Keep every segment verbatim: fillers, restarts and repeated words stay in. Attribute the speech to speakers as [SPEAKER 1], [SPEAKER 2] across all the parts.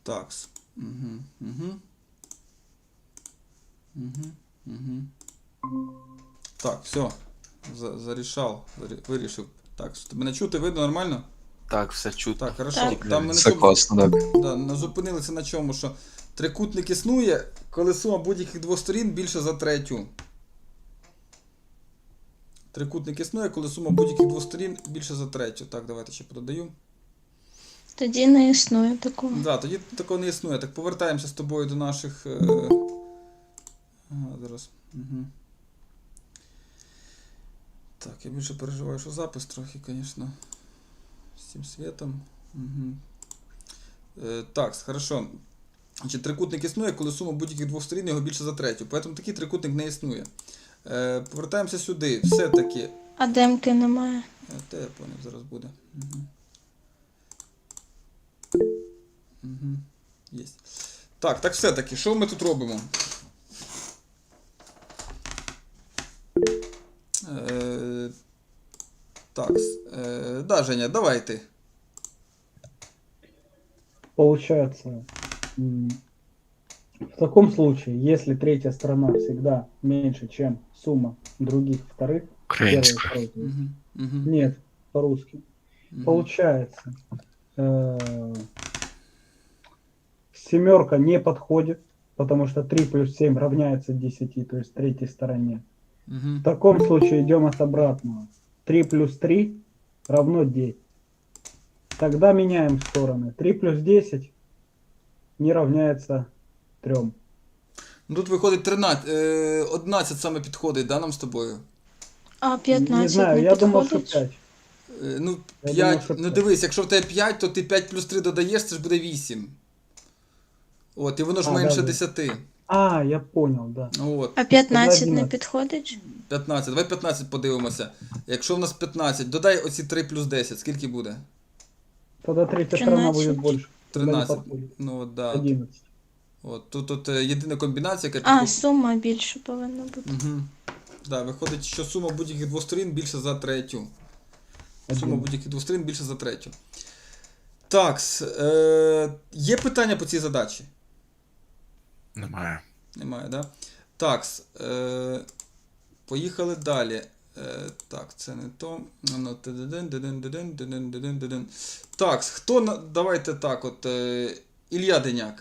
[SPEAKER 1] Так. Угу, угу. Угу, угу. Так, все. За, зарішав, зарі, вирішив. Так, мене чути, видно нормально?
[SPEAKER 2] Так, все чутно.
[SPEAKER 1] Так, хорошо.
[SPEAKER 3] Так.
[SPEAKER 1] Там ми на
[SPEAKER 4] Все
[SPEAKER 1] чому,
[SPEAKER 4] класно, так.
[SPEAKER 1] да, на- зупинилися на чому, що трикутник існує, коли сума будь-яких двох сторін більше за третю. Трикутник існує, коли сума будь-яких двох сторін більше за третю. Так, давайте ще пододаю.
[SPEAKER 3] Тоді не існує такого.
[SPEAKER 1] Да, тоді такого не існує. Так, повертаємося з тобою до наших. Е... Ага, зараз. Угу. Так, я більше переживаю, що запис трохи, звісно. З цим світом. Угу. Е, так, хорошо. Значить, трикутник існує, коли сума будь-яких двох сторін його більше за третю. Тому такий трикутник не існує. Е, повертаємося сюди. Все-таки.
[SPEAKER 3] А демки немає.
[SPEAKER 1] Е, те я поняв, зараз буде. Угу. Угу. Єсть. Так, так все-таки, що ми тут робимо? Е, так, е, да, Женя, давай ты.
[SPEAKER 5] Получается, м, в таком случае, если третья сторона всегда меньше, чем сумма других вторых, первой и
[SPEAKER 4] Українською.
[SPEAKER 5] второй, то есть-
[SPEAKER 1] Угу, угу,
[SPEAKER 5] нет, по-русски,
[SPEAKER 1] угу.
[SPEAKER 5] получается, э, семерка не подходит, потому что три плюс семь равняется десяти, то есть третьей стороне.
[SPEAKER 1] Угу.
[SPEAKER 5] В таком случае идем от обратного. три плюс три равно девять. Тогда меняем стороны. три плюс десять не равняется трем.
[SPEAKER 1] Ну тут виходить тринадцять, е, одинадцять саме підходить, да, нам з тобою?
[SPEAKER 3] А
[SPEAKER 5] Не
[SPEAKER 3] п'ятнадцять
[SPEAKER 5] знаю,
[SPEAKER 3] не
[SPEAKER 5] я думал, что
[SPEAKER 3] підходить?
[SPEAKER 5] пять.
[SPEAKER 1] Е, ну,
[SPEAKER 5] Я
[SPEAKER 1] п'ять,
[SPEAKER 5] думав, що
[SPEAKER 1] ну
[SPEAKER 5] п'ять.
[SPEAKER 1] дивись, якщо в тебе п'ять, то ти п'ять плюс три додаєш, це ж буде вісім. От, і воно ж
[SPEAKER 5] А,
[SPEAKER 1] менше
[SPEAKER 5] да, да.
[SPEAKER 1] десяти.
[SPEAKER 5] А, я понял, да.
[SPEAKER 1] От,
[SPEAKER 3] А п'ятнадцять не
[SPEAKER 5] одинадцять.
[SPEAKER 3] підходить?
[SPEAKER 1] п'ятнадцять. Давай п'ятнадцять подивимося. Якщо в нас п'ятнадцять, додай оці три плюс десять, скільки буде?
[SPEAKER 5] Тогда третья сторона
[SPEAKER 3] тринадцать.
[SPEAKER 5] будет больше. Тогда не
[SPEAKER 1] тринадцять.
[SPEAKER 5] подходит.
[SPEAKER 1] Ну от, да.
[SPEAKER 5] одиннадцать.
[SPEAKER 1] От, тут, тут е, єдина комбінація, яка
[SPEAKER 3] А,
[SPEAKER 1] підходить.
[SPEAKER 3] сума більше повинна бути.
[SPEAKER 1] Угу. Да, виходить, що сума будь-яких двох сторін більше за третю. Сума
[SPEAKER 5] Один.
[SPEAKER 1] будь-яких двох сторін більше за третю. Так, е, є питання по цій задачі?
[SPEAKER 4] Немає.
[SPEAKER 1] Немає, да? Так, е, поїхали далі. Е, так, це не то. Ну, тидидин, дидин, дидин, дидин, дидин, дидин. Так, хто на... Давайте так, от. Е, Ілля Деняк.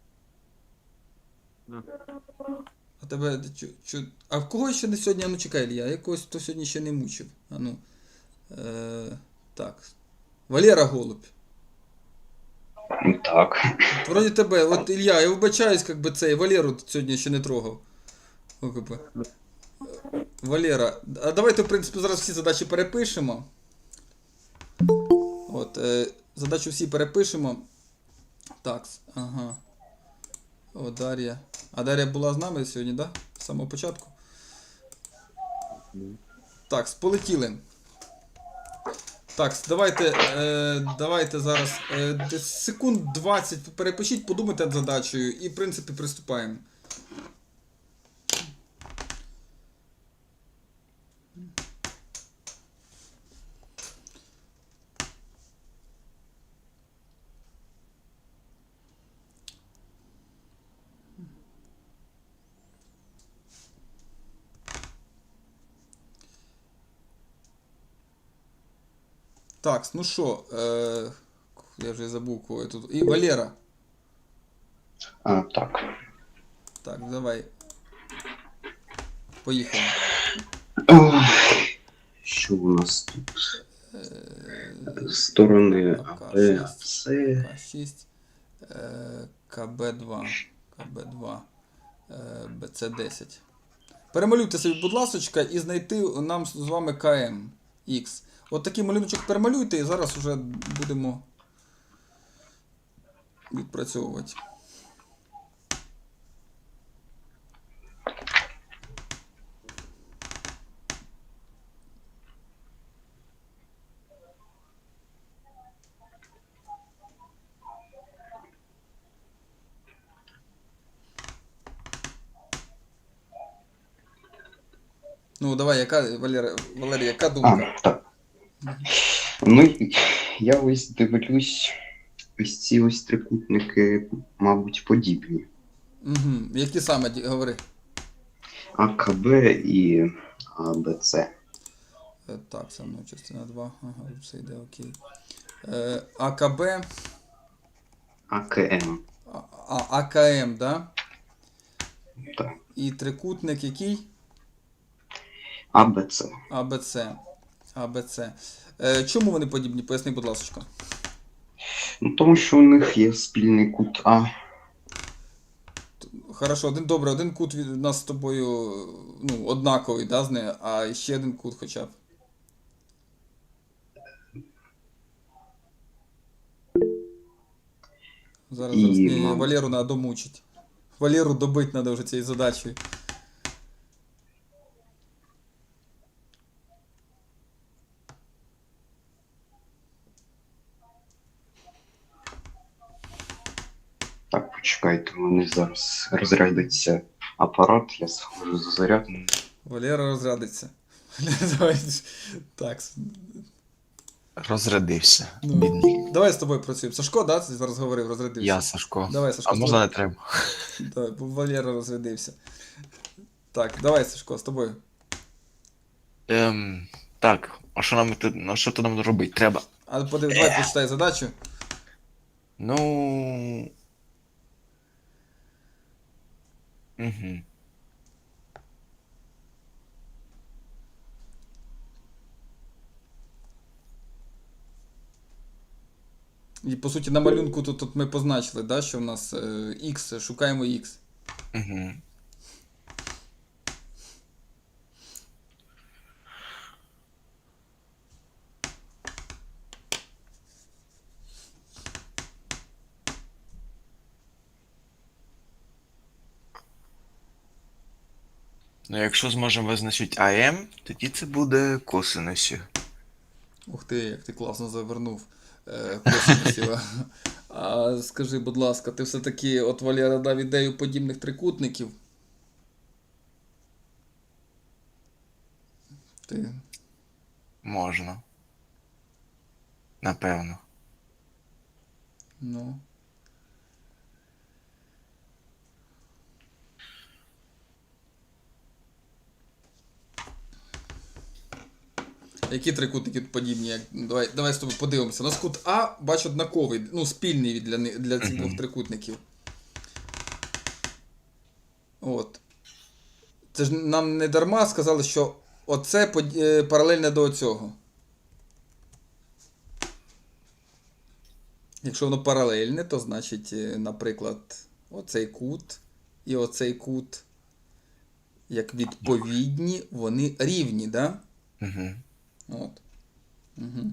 [SPEAKER 1] А тебе чу, чу... А в кого ще не сьогодні? А ну чекай, Ілля, якогось хто сьогодні ще не мучив. А ну. Е, так. Валера Голубь.
[SPEAKER 6] Так.
[SPEAKER 1] От вроді тебе, от Ілля, я вибачаюсь, як би цей Валеру сьогодні ще не трогав. О, как би. Валера, а давайте, в принципі, зараз всі задачі перепишемо. От, е, задачу всі перепишемо. Так, ага. О, Дар'я. А Дар'я була з нами сьогодні, так? Да? З самого початку. Так, полетіли. Так, давайте, е, давайте зараз е, десь секунд двадцять перепишіть, подумайте над задачею і, в принципі, приступаємо. Так, ну що, е, я вже забув, кого я тут. І Валера.
[SPEAKER 6] А, так.
[SPEAKER 1] Так, давай. Поїхали.
[SPEAKER 6] Ох, що у нас тут? Сторони А, Б, С.
[SPEAKER 1] К шість, е, К Б два, К Б два, е, Б С десять. Перемалюйте собі, будь ласочка, і знайти нам з вами К М Х. От такий малюночок перемалюйте, і зараз вже будемо відпрацьовувати. Ну, давай, яка, Валера, Валерій, яка думка?
[SPEAKER 6] А, так. Ну, я ось дивлюсь ось ці ось трикутники, мабуть, подібні.
[SPEAKER 1] Угу. Які саме ді- говори?
[SPEAKER 6] АКБ і АБЦ.
[SPEAKER 1] Е, Так, со мною частина два. Ага, все йде окей. Е, АКБ,
[SPEAKER 6] АКМ.
[SPEAKER 1] а, а, АКМ, да?
[SPEAKER 6] Так.
[SPEAKER 1] І трикутник який?
[SPEAKER 6] АБЦ.
[SPEAKER 1] АБЦ. АБЦ. Е, чому вони подібні? Поясни, будь ласка.
[SPEAKER 6] Ну, тому що у них є спільний кут А.
[SPEAKER 1] Хорошо, один добре, один кут від нас з тобою ну, однаковий, да, з нею, а ще один кут хоча б. Зараз,
[SPEAKER 6] І,
[SPEAKER 1] зараз ні,
[SPEAKER 6] мабуть.
[SPEAKER 1] Валеру треба домучити. Валеру добити треба вже цією задачею.
[SPEAKER 6] Так, почекайте, у мене зараз розрядиться апарат, я схожу за заряд.
[SPEAKER 1] Валера розрядиться. Валера, давай. Так.
[SPEAKER 4] Розрядився.
[SPEAKER 1] Ну,
[SPEAKER 4] Бідний.
[SPEAKER 1] давай з тобою працюємо. Сашко, да, ти зараз говорив, розрядився?
[SPEAKER 4] Я, Сашко.
[SPEAKER 1] Давай, Сашко.
[SPEAKER 4] А
[SPEAKER 1] з
[SPEAKER 4] можна
[SPEAKER 1] тобою.
[SPEAKER 4] не треба?
[SPEAKER 1] Давай, бо Валера розрядився. Так, давай, Сашко, з тобою.
[SPEAKER 4] Ем, так, а що нам тут, ну, що тут нам робити? Треба.
[SPEAKER 1] А подивись, давай почитай задачу.
[SPEAKER 4] Ну. Угу.
[SPEAKER 1] І по суті на малюнку тут, тут ми позначили, да, що в нас е, X, шукаємо X.
[SPEAKER 4] Угу. Ну, якщо зможемо визначити АМ, тоді це буде косинусів.
[SPEAKER 1] Ух ти, як ти класно завернув е, косинусів. А скажи, будь ласка, ти все-таки от Валера дав ідею подібних трикутників? Ти...
[SPEAKER 4] Можна. Напевно.
[SPEAKER 1] Ну. Які трикутники подібні? Як... Давай, давай з тобою подивимося. У нас кут А, бач, однаковий, ну, спільний для, ни- для цих
[SPEAKER 4] Мгм.
[SPEAKER 1] двох трикутників. От. Це ж нам не дарма сказали, що оце под- е, паралельне до цього. Якщо воно паралельне, то значить, е, наприклад, оцей кут і оцей кут, як відповідні, вони рівні, да?
[SPEAKER 4] Угу.
[SPEAKER 1] От. Угу.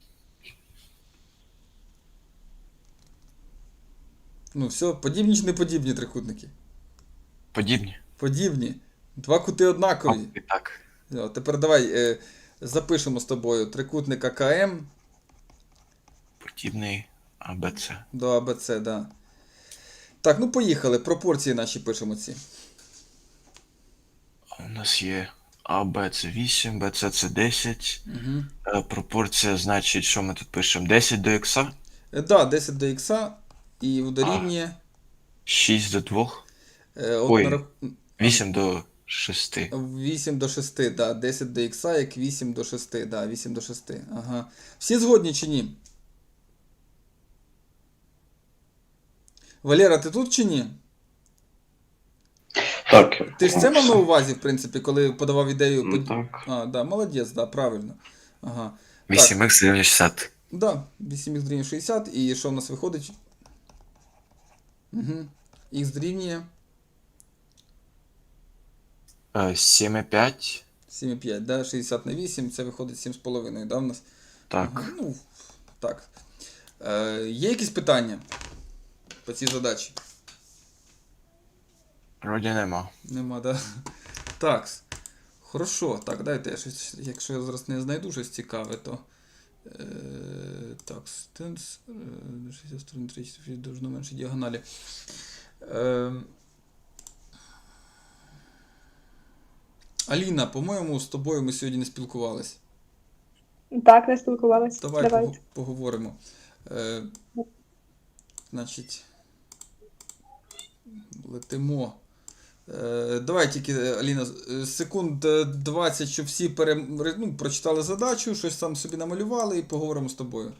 [SPEAKER 1] Ну, все, подібні чи не подібні трикутники?
[SPEAKER 4] Подібні.
[SPEAKER 1] Подібні. Два кути однакові.
[SPEAKER 4] І так.
[SPEAKER 1] О, тепер давай е, запишемо з тобою трикутник АКМ
[SPEAKER 4] Подібний АБЦ.
[SPEAKER 1] до АБЦ, да. Так, ну поїхали. Пропорції наші пишемо ці.
[SPEAKER 4] У нас є АБ це вісім, БЦ це десять.
[SPEAKER 1] Угу.
[SPEAKER 4] Е, Пропорція значить, що ми тут пишемо? десять до х,
[SPEAKER 1] Е, да, десять до х і дорівнює.
[SPEAKER 4] шість до двох,
[SPEAKER 1] Е, от
[SPEAKER 4] Ой.
[SPEAKER 1] на рах-
[SPEAKER 4] вісім до шести.
[SPEAKER 1] вісім до шести, да. десять до х, як вісім до шести, да, вісім до шести. Ага. Всі згодні чи ні? Валера, ти тут чи ні?
[SPEAKER 6] Так.
[SPEAKER 1] Ти ж це мав на увазі, в принципі, коли подавав ідею.
[SPEAKER 6] Ну,
[SPEAKER 1] под-
[SPEAKER 6] так.
[SPEAKER 1] А, да, молодець, да, правильно. Ага.
[SPEAKER 4] вісім х дорівнює шістдесят.
[SPEAKER 1] Да, вісім х дорівнює шістдесят, і що в нас виходить? Угу. Х дорівнює
[SPEAKER 4] Е, сім і п'ять.
[SPEAKER 1] сім і п'ять, да, шістдесят на вісім, це виходить сім з половиною, да, в нас?
[SPEAKER 4] Так.
[SPEAKER 1] Ага, ну, так. Е, є якісь питання по цій задачі?
[SPEAKER 4] Вроді нема.
[SPEAKER 1] Нема, да? Так. Хорошо. Так, дайте я щось, якщо я зараз не знайду щось цікаве, то. Е, так, стенс. Е, шістдесят сторон три, чотири, довжину менше діагоналі. Е, Аліна, по-моєму, з тобою ми сьогодні не спілкувались.
[SPEAKER 2] Так, не спілкувалися.
[SPEAKER 1] Давай
[SPEAKER 2] Давайте.
[SPEAKER 1] пого- поговоримо. Е, значить, летимо. Е, давай тільки, Аліна, е, секунд е, двадцять, щоб всі пере, ну, прочитали задачу, щось там собі намалювали і поговоримо з тобою.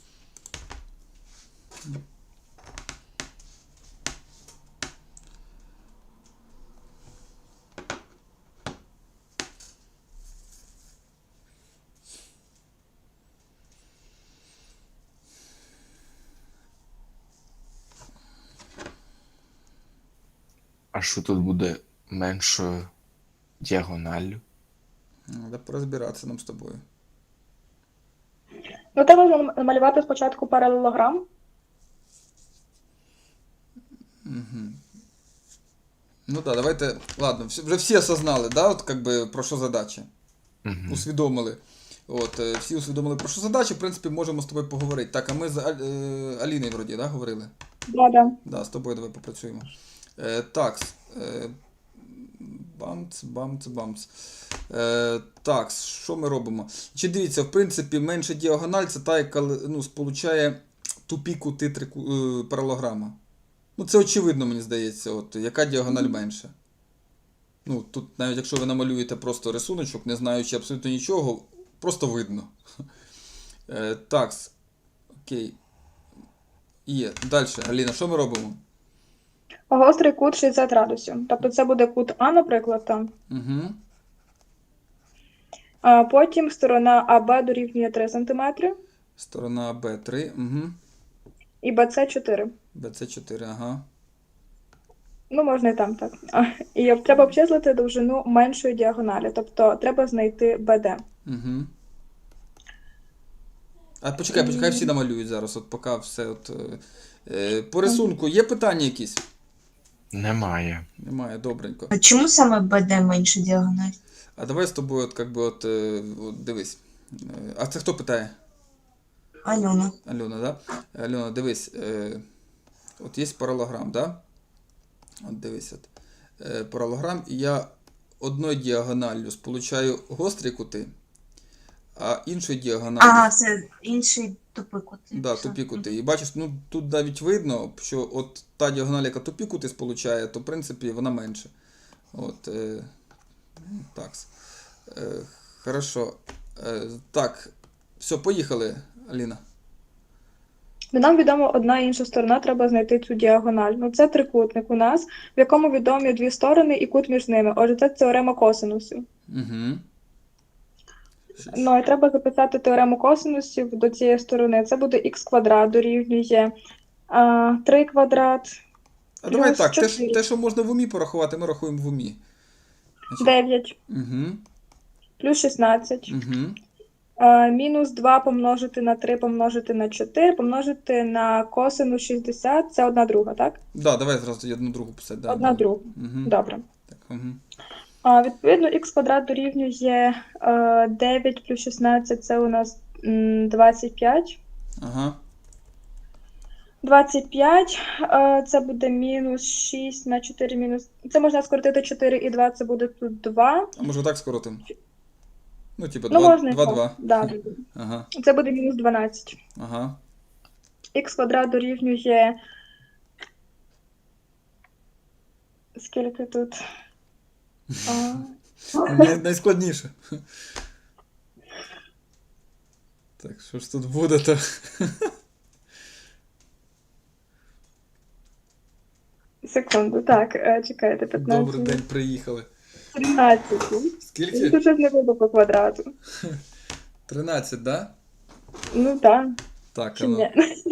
[SPEAKER 4] А що тут буде меншою діагоналлю?
[SPEAKER 1] Треба порозбиратися нам з тобою.
[SPEAKER 2] Ну, треба намалювати спочатку паралелограм.
[SPEAKER 1] Ну так, давайте, ладно, всі- вже всі осознали, да, от, как би, про що задача?
[SPEAKER 4] Угу.
[SPEAKER 1] Усвідомили. От, е, всі усвідомили, про що задача, в принципі, можемо з тобою поговорити. Так, а ми з Аль- е, Аліною, вроді, да, говорили?
[SPEAKER 2] Да, да.
[SPEAKER 1] Да, з тобою давай попрацюємо. Е, так, е, бамц, бамц, бамц. Е, так, що ми робимо? Чи дивіться, в принципі, менша діагональ це та, яка ну, сполучає тупі кути трику, е, паралограма. Ну, це очевидно, мені здається, от, яка діагональ менша. Ну, тут навіть якщо ви намалюєте просто рисуночок, не знаючи абсолютно нічого, просто видно. Е, так, окей. Є. Далі, Аліна, що ми робимо?
[SPEAKER 2] Гострий кут шістдесят градусів. Тобто це буде кут А, наприклад, там.
[SPEAKER 1] Угу.
[SPEAKER 2] А потім сторона АБ дорівнює три сантиметри
[SPEAKER 1] Сторона Б три, угу.
[SPEAKER 2] і БЦ чотири.
[SPEAKER 1] БЦ чотири, ага.
[SPEAKER 2] Ну, можна і там так. А, І треба обчислити довжину меншої діагоналі. Тобто треба знайти БД.
[SPEAKER 1] Угу. А почекай, почекай, всі намалюють зараз, от поки все от. Е, е, по рисунку є питання якісь?
[SPEAKER 4] Немає.
[SPEAKER 1] Немає, добренько.
[SPEAKER 3] А чому саме БД менше діагональ?
[SPEAKER 1] А давай з тобою, от, как би, от, е, от дивись. Е, а це хто питає?
[SPEAKER 3] Альона.
[SPEAKER 1] Альона, да? Альона, дивись. Е, от є паралограм, да? От дивись. От. Е, паралограм, і я одною діагоналлю сполучаю гострі кути, а іншою діагоналлю.
[SPEAKER 3] Ага, це інший тупий кут.
[SPEAKER 1] Да, тупі кути. І бачиш, ну тут навіть видно, що от та діагональ, яка тупі кути сполучає, то в принципі вона менше. От, е, так. Е, хорошо. Е, так, все, поїхали, Аліна.
[SPEAKER 2] Ну, нам відомо одна і інша сторона, треба знайти цю діагональ. Ну, це трикутник у нас, в якому відомі дві сторони і кут між ними. Отже, це теорема косинусів.
[SPEAKER 1] Угу.
[SPEAKER 2] Ну, і треба записати теорему косинусів до цієї сторони. Це буде х квадрат дорівнює а, три квадрат,
[SPEAKER 1] А давай
[SPEAKER 2] плюс
[SPEAKER 1] так, те,
[SPEAKER 2] чотири.
[SPEAKER 1] що- те, що можна в умі порахувати, ми рахуємо в умі.
[SPEAKER 2] дев'ять,
[SPEAKER 1] Угу.
[SPEAKER 2] плюс шістнадцять.
[SPEAKER 1] Угу.
[SPEAKER 2] А, мінус два помножити на три помножити на чотири, помножити на косинус шістдесят, це одна друга, так?
[SPEAKER 1] Да, давай зразу тоді одну другу писати. Да,
[SPEAKER 2] Одна
[SPEAKER 1] да.
[SPEAKER 2] друга.
[SPEAKER 1] Угу.
[SPEAKER 2] Добре.
[SPEAKER 1] Так, угу.
[SPEAKER 2] А, відповідно, х квадрат дорівнює е, дев'ять плюс шістнадцять, це у нас м, двадцять п'ять.
[SPEAKER 1] Ага.
[SPEAKER 2] двадцять п'ять, е, це буде мінус шість на чотири мінус... Це можна скоротити чотири і два, це буде тут два.
[SPEAKER 1] А може так скоротимо? Ну, типу,
[SPEAKER 2] Ну, можна і
[SPEAKER 1] два,
[SPEAKER 2] так.
[SPEAKER 1] два.
[SPEAKER 2] Да.
[SPEAKER 1] Ага.
[SPEAKER 2] Це буде мінус дванадцять.
[SPEAKER 1] Ага.
[SPEAKER 2] Х квадрат дорівнює... Скільки тут? А,
[SPEAKER 1] Най- Найскладніше. Так, що ж тут буде-то?
[SPEAKER 2] секунду, так, е, чекайте, п'ятнадцять.
[SPEAKER 1] Добрий день, приїхали.
[SPEAKER 2] тринадцять.
[SPEAKER 1] Скільки?
[SPEAKER 2] Тут щось не буде по квадрату.
[SPEAKER 1] тринадцять, да?
[SPEAKER 2] Ну так,
[SPEAKER 1] Так,
[SPEAKER 2] чи
[SPEAKER 1] а ну.
[SPEAKER 2] ні?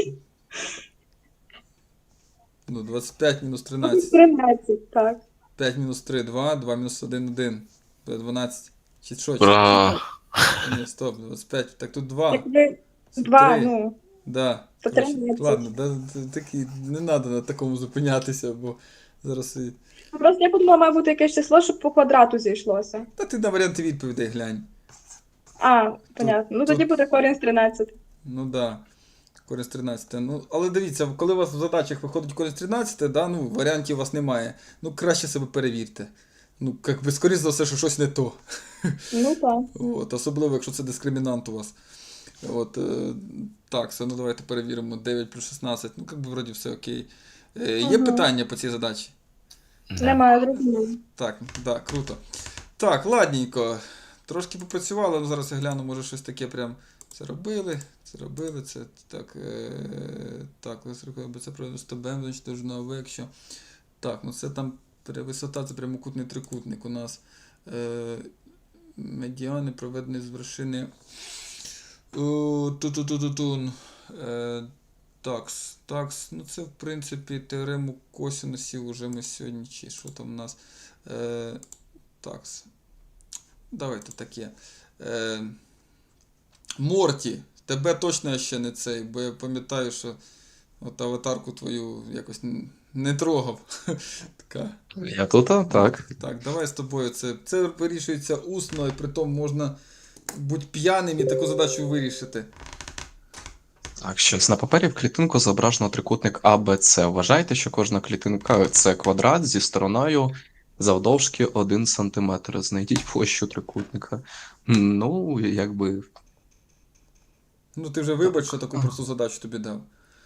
[SPEAKER 1] Ну, двадцять п'ять мінус тринадцять.
[SPEAKER 2] тринадцять, так.
[SPEAKER 1] п'ять мінус три, два, два мінус один, один. Буде дванадцять. Чи що? Чи-
[SPEAKER 4] Бра.
[SPEAKER 1] Ні, стоп, двадцять п'ять. Так тут два.
[SPEAKER 2] Якби
[SPEAKER 1] Це
[SPEAKER 2] два,
[SPEAKER 1] три.
[SPEAKER 2] ну,
[SPEAKER 1] Да.
[SPEAKER 2] то
[SPEAKER 1] Коротше,
[SPEAKER 2] тринадцять.
[SPEAKER 1] ладно, да, т- такі, не треба на такому зупинятися, бо зараз і...
[SPEAKER 2] ну, просто я подумала, має бути якесь число, щоб по квадрату зійшлося.
[SPEAKER 1] Та ти на варіанти відповідей глянь.
[SPEAKER 2] А, понятно. Ну тоді
[SPEAKER 1] тут-
[SPEAKER 2] буде корінь з тринадцяти.
[SPEAKER 1] Ну да. Корінь з тринадцяти. Ну, але дивіться, коли у вас в задачах виходить корінь з тринадцяти, да, ну, варіантів у вас немає. Ну, краще себе перевірте. Ну, як би, скоріш за все, що щось не то.
[SPEAKER 2] Ну так.
[SPEAKER 1] От, особливо, якщо це дискримінант у вас. От, е, так, все, ну давайте перевіримо. дев'ять плюс шістнадцять, ну, як би, вроді все окей. Е, є
[SPEAKER 2] Мгм.
[SPEAKER 1] питання по цій задачі?
[SPEAKER 2] Немає, зрозуміло.
[SPEAKER 1] Так, да, круто. Так, ладненько. Трошки попрацювали, ну зараз я гляну, може щось таке прям. Це робили, це робили, це так. Е, так, ось рахуємо, це правильно з тобою, значить, довжина ОВ, якщо. Так, ну це там пере- висота, це прямокутний трикутник у нас. Е, медіани проведені з вершини. Ту-ту-ту-ту-тун. Е, такс, такс. Ну це в принципі теорему косинусів уже ми сьогодні, чи що там у нас. Е, такс. Давайте таке. Е, Морті, тебе точно я ще не цей, бо я пам'ятаю, що от аватарку твою якось н- не трогав. Така.
[SPEAKER 7] Я тут, а? Так.
[SPEAKER 1] Так, давай з тобою. Це, це вирішується усно, і притом можна бути п'яним і таку задачу вирішити.
[SPEAKER 7] Так, щось на папері в клітинку зображено трикутник А Б С. Вважайте, що кожна клітинка це квадрат зі стороною завдовжки один сантиметр. Знайдіть площу трикутника. М, Ну, якби.
[SPEAKER 1] Ну, ти вже вибач, що таку просту задачу тобі дав.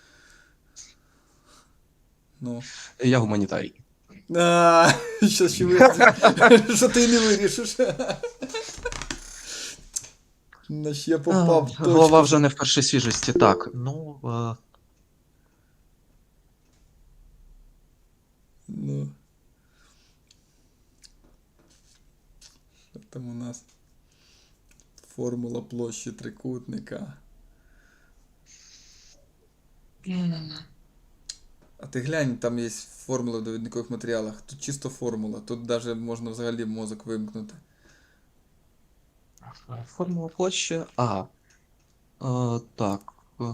[SPEAKER 1] Ну.
[SPEAKER 7] Я гуманітарій.
[SPEAKER 1] А, що ще вирішиш, що ти не вирішиш. На ще попав
[SPEAKER 7] А, Голова
[SPEAKER 1] точно.
[SPEAKER 7] вже не в першій свіжості. Так, ну. е,
[SPEAKER 1] Ну. Що там у нас? Формула площі трикутника. А ти глянь, там є формула в довідникових матеріалах. Тут чисто формула. Тут навіть можна взагалі мозок вимкнути.
[SPEAKER 7] Формула площі. А. Е, так. е,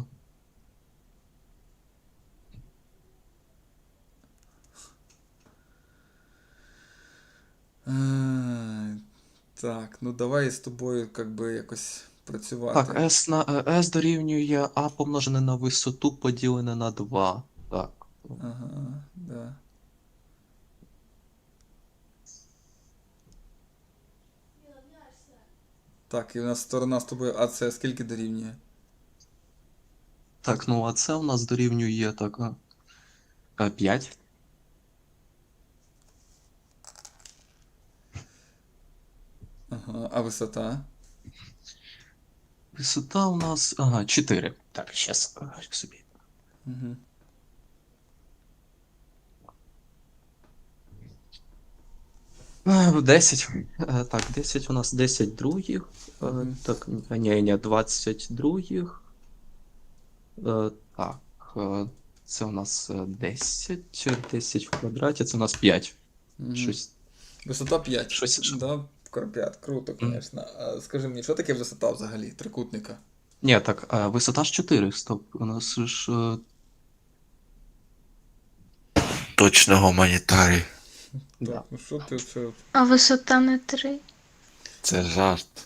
[SPEAKER 1] А, так, ну давай з тобою как би якось працювати.
[SPEAKER 7] Так, S на е, S дорівнює А помножене на висоту поділене на два. Так.
[SPEAKER 1] Ага, да. Так, і у нас сторона з тобою АС скільки дорівнює?
[SPEAKER 7] Так, ну а це у нас дорівнює так. е, п'ять.
[SPEAKER 1] Ага, а висота?
[SPEAKER 7] Висота у нас. Ага, чотири. Так, щас е, собі.
[SPEAKER 1] Угу.
[SPEAKER 7] Е, десять. Е, Так, десять у нас десять других. Е,
[SPEAKER 1] Мгм.
[SPEAKER 7] Так, ні, ні, двадцять других. Е, Так, е, це у нас е, десять. десять в квадраті, це у нас п'ять.
[SPEAKER 1] Угу.
[SPEAKER 7] Щось.
[SPEAKER 1] Висота п'ять.
[SPEAKER 7] Щось-
[SPEAKER 1] Да, п'ять. Круто, звісно. А скажи мені, що таке висота взагалі трикутника?
[SPEAKER 7] Ні, так, е, висота ж чотири, стоп. У нас ж. е,
[SPEAKER 4] Точно гуманітарій.
[SPEAKER 7] Да.
[SPEAKER 1] Так, ну що ти це?
[SPEAKER 8] А висота не три.
[SPEAKER 4] Це жарт.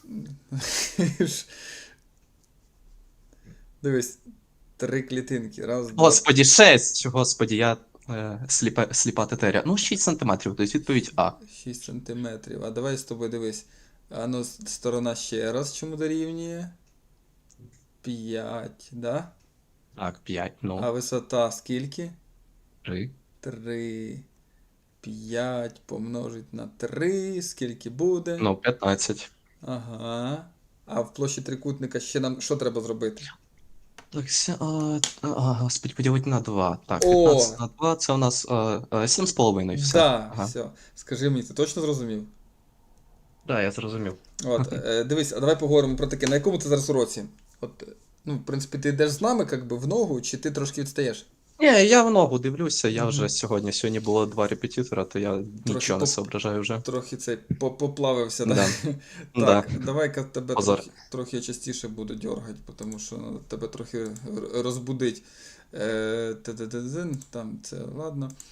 [SPEAKER 1] Дивись, три клітинки. Раз, два.
[SPEAKER 7] Господі, шесть! Господі, я е, сліпа, сліпа тетеря. Ну, шість сантиметрів, тобто відповідь А.
[SPEAKER 1] шість сантиметрів. А давай з тобою дивись. А ну, с- сторона ще раз чому дорівнює? п'ять, да?
[SPEAKER 7] Так, п'ять,
[SPEAKER 1] А
[SPEAKER 7] ну,
[SPEAKER 1] висота скільки?
[SPEAKER 7] три.
[SPEAKER 1] три. п'ять помножить на три. Скільки буде?
[SPEAKER 7] Ну, п'ятнадцять.
[SPEAKER 1] Ага. А в площі трикутника ще нам що треба зробити?
[SPEAKER 7] Так, ся, а, а, господи, поділити на два. Так,
[SPEAKER 1] О!
[SPEAKER 7] п'ятнадцять на два, це у нас а, а, сім з половиною, все.
[SPEAKER 1] Да,
[SPEAKER 7] Ага.
[SPEAKER 1] все. Скажи мені, ти точно зрозумів?
[SPEAKER 7] Да, я зрозумів.
[SPEAKER 1] От, е, дивись, а давай поговоримо про таке. На якому ти зараз уроці? От, е, ну, в принципі, ти йдеш з нами, як би, в ногу, чи ти трошки відстаєш?
[SPEAKER 7] Ні, я в ногу дивлюся, я
[SPEAKER 1] Мгм.
[SPEAKER 7] вже сьогодні, сьогодні було два репетитора, то я нічого не
[SPEAKER 1] поп-
[SPEAKER 7] соображаю вже.
[SPEAKER 1] Трохи цей по- поплавився,
[SPEAKER 7] Да.
[SPEAKER 1] да?
[SPEAKER 7] Да.
[SPEAKER 1] Так, давай-ка тебе
[SPEAKER 7] Позор.
[SPEAKER 1] трохи, трохи частіше буду дергати, тому що ну, тебе трохи р- розбудить. Е, та-та-та-та, там це ладно.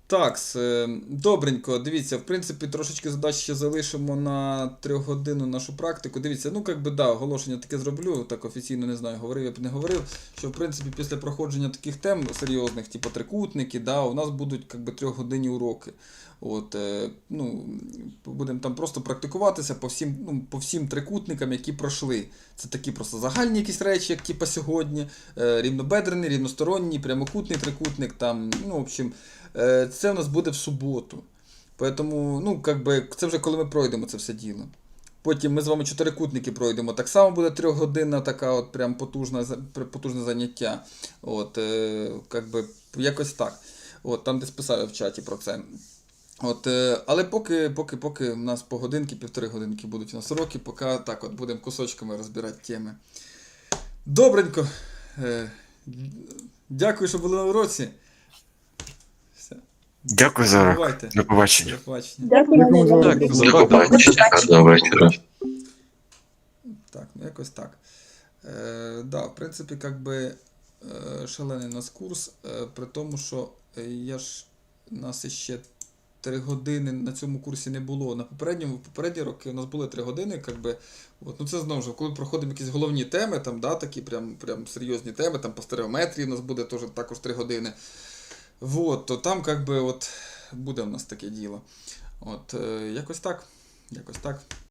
[SPEAKER 1] Так, добренько, дивіться, в принципі, трошечки задач ще залишимо на трьохгодинну нашу практику. Дивіться, ну, як би, да, оголошення таке зроблю, так офіційно не знаю, говорив я б не говорив, що, в принципі, після проходження таких тем серйозних, типу трикутники, да, у нас будуть, як би, трьохгодинні уроки. От, е, ну, будемо там просто практикуватися по всім, ну, по всім трикутникам, які пройшли. Це такі просто загальні якісь речі, як типу сьогодні, е, рівнобедрений, рівносторонній, прямокутний трикутник, там, ну, в общем, е, це у нас буде в суботу. Поэтому, ну, как би, це вже коли ми пройдемо це все діло. Потім ми з вами чотирикутники пройдемо. Так само буде трьохгодинна така от прям потужна, потужне заняття. От, е, как би, якось так. От, там десь писав я в чаті про це. От, е, але поки, поки, поки у нас по годинки, півтори годинки будуть у нас уроки, поки так от будемо кусочками розбирати теми. Добренько. Е, дякую, що були на уроці. Все.
[SPEAKER 4] Дякую за урок.
[SPEAKER 1] Бувайте.
[SPEAKER 4] До побачення.
[SPEAKER 1] До побачення.
[SPEAKER 2] Дякую.
[SPEAKER 7] Дякую за
[SPEAKER 6] До
[SPEAKER 7] увагу.
[SPEAKER 6] побачення. До вечора.
[SPEAKER 1] Так, ну якось так. Е, да, в принципі, як би е, шалений у нас курс, е, при тому, що е, я ж, нас іще три години на цьому курсі не було. На попередньому, в попередні роки у нас були три години, як би, от, ну це знову ж, коли проходимо якісь головні теми, там, да, такі прям, прям серйозні теми, там по стереометрії у нас буде теж, також три години. Вот, то там, як би, от, буде у нас таке діло. От, е, якось так, якось так.